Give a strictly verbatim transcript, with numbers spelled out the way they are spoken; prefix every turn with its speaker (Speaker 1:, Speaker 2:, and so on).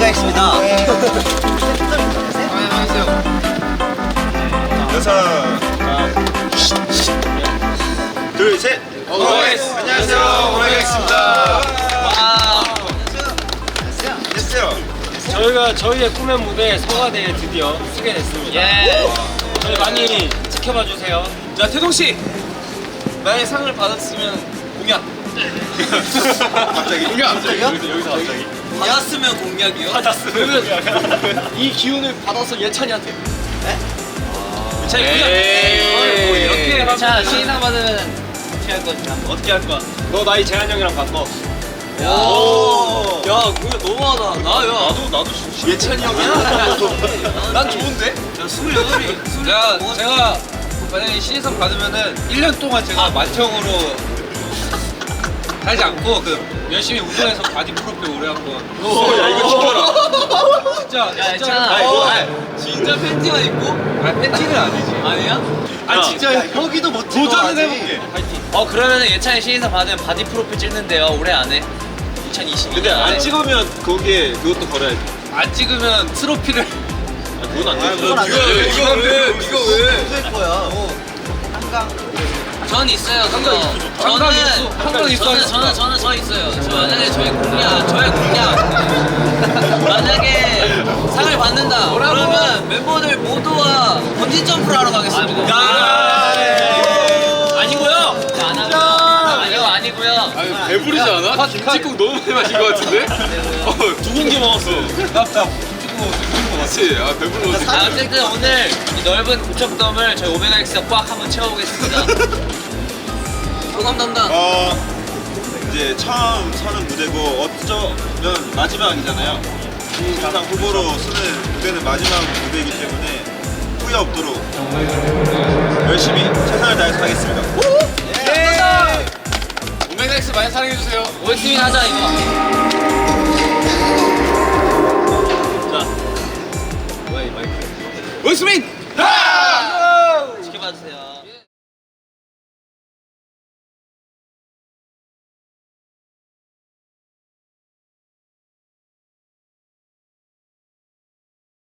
Speaker 1: 오메가엑스입니다.
Speaker 2: 여섯, 둘, 셋. 오메가엑스. 안녕하세요, 오메가엑스입니다. 안녕하세요.
Speaker 3: 저희가 저희의 꿈의 무대 서가대에 드디어 쓰게 됐습니다.
Speaker 1: 예.
Speaker 3: 저희 많이 지켜봐 주세요.
Speaker 4: 자, 태동 씨. 만약에 상을 받았으면 공약.
Speaker 2: 갑자기?
Speaker 1: 갑자기요?
Speaker 2: 여기서 갑자기.
Speaker 1: 받았으면 공약이요?
Speaker 4: 그러면 이 기운을 받아서 예찬이한테.
Speaker 1: 네?
Speaker 4: 예찬이 공약.
Speaker 3: 에이.
Speaker 4: 뭐 이렇게 하면.
Speaker 1: 자, 신인상 받으면 어떻게 할 거지? 한번.
Speaker 4: 어떻게 할 거야?
Speaker 3: 너 나이 재한 형이랑 바꿔.
Speaker 4: 오. 야, 공약 너무하다. 나, 야.
Speaker 2: 나도, 나도 진짜.
Speaker 4: 예찬이 형이야? 난 좋은데?
Speaker 1: 야, 스물여덟이.
Speaker 4: 야, 제가 만약에 신인상 받으면은 일 년 동안 제가 만청으로 살지 않고 그 열심히 운동해서 바디 프로필 오래 한번.
Speaker 2: 오, 야, 이거 지켜라.
Speaker 4: 진짜,
Speaker 1: 야,
Speaker 4: 진짜.
Speaker 1: 괜찮아.
Speaker 4: 아니,
Speaker 1: 어.
Speaker 4: 아니, 진짜 팬티만 입고? 아니, 팬티는 아니지.
Speaker 1: 아니야?
Speaker 4: 아, 진짜
Speaker 1: 혁이도 못
Speaker 4: 도전은 해볼게. 파이팅.
Speaker 1: 어, 그러면은 예찬이 신인상 받으면 바디 프로필 찍는데요. 올해 안에. 이천이십이 년
Speaker 2: 근데 안
Speaker 1: 안에.
Speaker 2: 찍으면 거기에 그것도 걸어야지.
Speaker 4: 안 찍으면 트로피를.
Speaker 2: 아, 그건 안 되지.
Speaker 1: 그건 안
Speaker 4: 이거 왜? 이거 왜? 이거 왜?
Speaker 1: 될 거야. 전 있어요.
Speaker 4: 한강
Speaker 1: 그거.
Speaker 4: 있어, 좋다. 한강 있어. 한강 있어.
Speaker 1: 저는 저는 저는 저 있어요. 저 만약에 저희 공약 저의 공약 만약에 상을 받는다. 그러면 멤버들 모두와 번지 점프를 하러 가겠습니다.
Speaker 4: 아니고요.
Speaker 1: 안 하고요. 아니고 아니고요.
Speaker 4: 아니, 배부르지 않아? 김치국 너무 많이 마신 것 같은데? 어, 두 공기 먹었어. 나, 나 김치국 먹었어. 그치? 아, 배부르
Speaker 1: 자, 어쨌든 오늘 이 넓은 고척돔을 저희 오메가엑스가 꽉 한번 채워보겠습니다. 소감 담당.
Speaker 2: 어, 이제 처음 서는 무대고 어쩌면 마지막이잖아요. 항상 후보로 쓰는 무대는 마지막 무대이기 때문에 후회 없도록 열심히 최선을 다해서 하겠습니다.
Speaker 4: 오메가엑스 많이 사랑해주세요.
Speaker 1: 오에스민 하자 이거.
Speaker 4: 오이스민!
Speaker 1: 지켜봐주세요.